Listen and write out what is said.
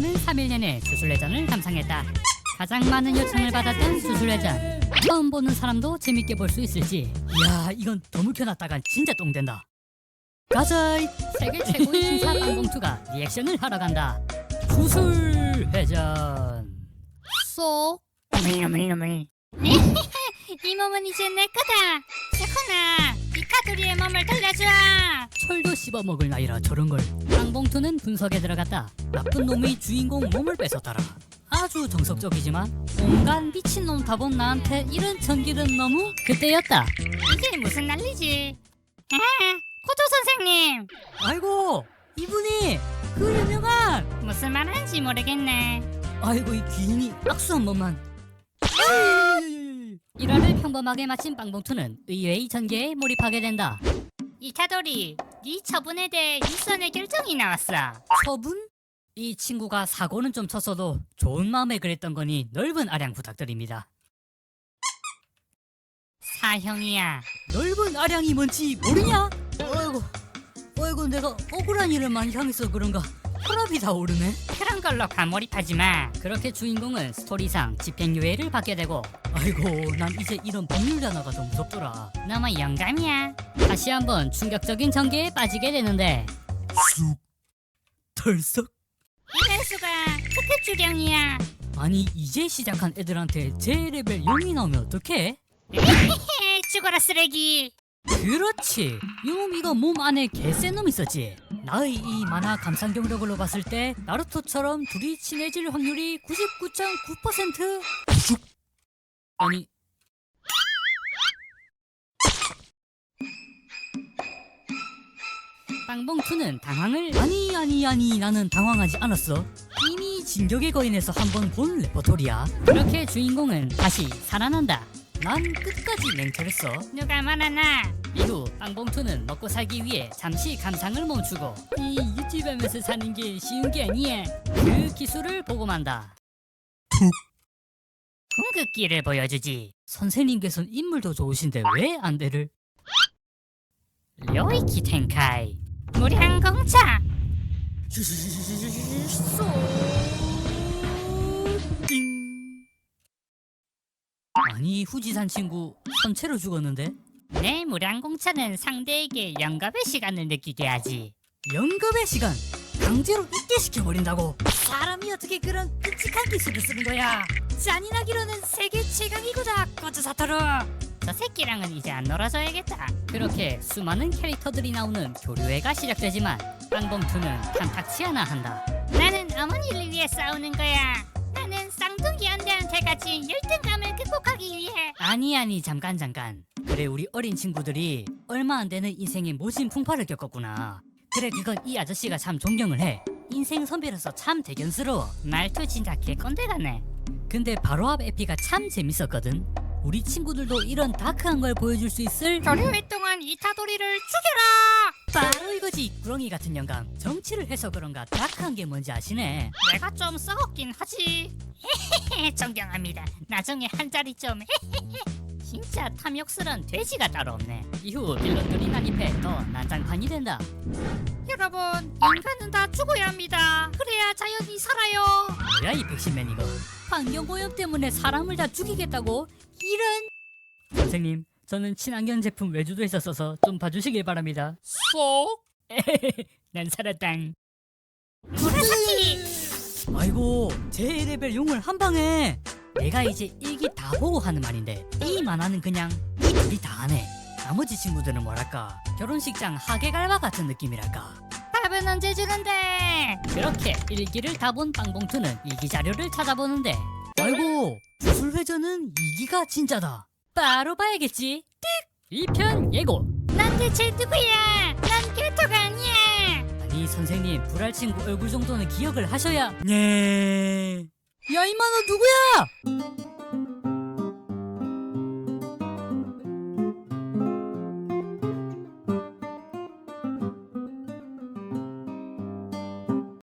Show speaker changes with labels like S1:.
S1: 빵봉투는 3일 내내 수술회전을 감상했다. 가장 많은 요청을 받았던 수술회전. 처음 보는 사람도 재밌게 볼 수 있을지. 이야, 이건 더 묵혀놨다간 진짜 똥된다. 가자. 세계 최고의 신사 빵봉투가 리액션을 하러 간다. 수술회전. 쏙.
S2: 이 몸은 이제 내 거다. 세코나, 이카도리의 몸을 돌려줘.
S1: 철도 씹어먹을 나이라 저런걸. 빵봉투는 분석에 들어갔다. 나쁜 놈이 주인공 몸을 뺏었더라. 아주 정석적이지만 온갖 미친놈 다 본 나한테 이런 전기는 너무 그때였다.
S2: 이게 무슨 난리지? 아, 코조 선생님,
S1: 아이고, 이분이 그 유명한.
S2: 무슨 말 하는지 모르겠네.
S1: 아이고, 이 귀인이 악수 한 번만. 일화를 평범하게 마친 빵봉투는 의외의 전개에 몰입하게 된다.
S2: 이카도리, 네 처분에 대해 일선의 결정이 나왔어.
S1: 처분? 이 친구가 사고는 좀 쳤어도 좋은 마음에 그랬던 거니 넓은 아량 부탁드립니다.
S2: 사형이야.
S1: 넓은 아량이 뭔지 모르냐? 아이고 내가 억울한 일을 많이 향해서 그런가 혈압이 다 오르네.
S2: 그런 걸로 과몰입하지 마.
S1: 그렇게 주인공은 스토리상 집행유예를 받게 되고, 아이고 난 이제 이런 법률 단어가 좀 무섭더라.
S2: 너무 영감이야.
S1: 다시 한번 충격적인 전개에 빠지게 되는데, 쑥 털썩.
S2: 이럴 수가. 특급 주령이야.
S1: 아니 이제 시작한 애들한테 J레벨 0이 나오면 어떡해?
S2: 죽어라 쓰레기.
S1: 그렇지, 이놈 이거 몸 안에 개센 놈 있었지. 나의 이 만화 감상 경력으로 봤을 때 나루토처럼 둘이 친해질 확률이 99.9%. 아니 빵봉투는 당황을 아니 나는 당황하지 않았어. 이미 진격의 거인에서 한번 본 레퍼토리야. 그렇게 주인공은 다시 살아난다. 난 끝까지 맹철했어.
S2: 누가 말하나?
S1: 이후 빵봉투는 먹고 살기 위해 잠시 감상을 멈추고, 이 유튜브하면서 사는 게 쉬운 게 아니야. 그 기술을 보고 만다.
S2: 궁극기를 보여주지.
S1: 선생님께서는 인물도 좋으신데 왜 안대를?
S2: 료이키 텐카이. 무량공차.
S1: 아니 후지산 친구 선체로 죽었는데?
S2: 내 무량공차는 상대에게 영겁의 시간을 느끼게 하지.
S1: 영겁의 시간 강제로 잊게 시켜버린다고? 사람이 어떻게 그런 끔찍한 기술을 쓰는 거야? 잔인하기로는 세계 최강이구나 거즈 사토루.
S2: 저 새끼랑은 이제 안 놀아줘야겠다.
S1: 그렇게 수많은 캐릭터들이 나오는 교류회가 시작되지만 빵봉투는 탐탁치 않아 한다.
S2: 나는 어머니를 위해 싸우는 거야. 나는 쌍둥이 언니한테 같이 열등감을 극복하기 위해.
S1: 아니 잠깐. 그래, 우리 어린 친구들이 얼마 안 되는 인생의 모진 풍파를 겪었구나. 그래, 그건 이 아저씨가 참 존경을 해. 인생 선배로서 참 대견스러워.
S2: 말투 진짜 개꼰대 같네.
S1: 근데 바로 앞 에피가 참 재밌었거든. 우리 친구들도 이런 다크한 걸 보여줄 수 있을.
S2: 교류회 동안 이타도리를 죽여라.
S1: 바로 이거지, 구렁이 같은 영감. 정치를 해서 그런가 다크한 게 뭔지 아시네.
S2: 내가 좀 썩었긴 하지. 존경합니다. 나중에 한 자리 좀. 진짜 탐욕스런 돼지가 따로 없네.
S1: 이후 빌런들이 난입해 더 난장판이 된다.
S2: 여러분, 인간은 다 죽어야 합니다. 그래야 자연이 살아요.
S1: 뭐야 이 백신맨 이거. 환경오염 때문에 사람을 다 죽이겠다고? 이런. 선생님, 저는 친환경 제품 외주도 했었어서 좀 봐주시길 바랍니다.
S2: 쏙.
S1: 난 살았당.
S2: 무라사키.
S1: 아이고, 제 레벨 용을 한 방에. 내가 이제 일기 다 보고 하는 말인데 이 만화는 그냥 이 둘이 다 하네. 나머지 친구들은 뭐랄까 결혼식장 하객알바 같은 느낌이랄까.
S2: 밥은 언제 주는데?
S1: 그렇게 일기를 다 본 빵봉투는 일기 자료를 찾아보는데, 아이고, 주술회전은 이기가 진짜다. 바로 봐야겠지. 띡! 2편 예고.
S2: 난 대체 누구야? 난 캐릭터가 아니야.
S1: 아니 선생님, 불알 친구 얼굴 정도는 기억을 하셔야. 네. 야 임마 너 누구야?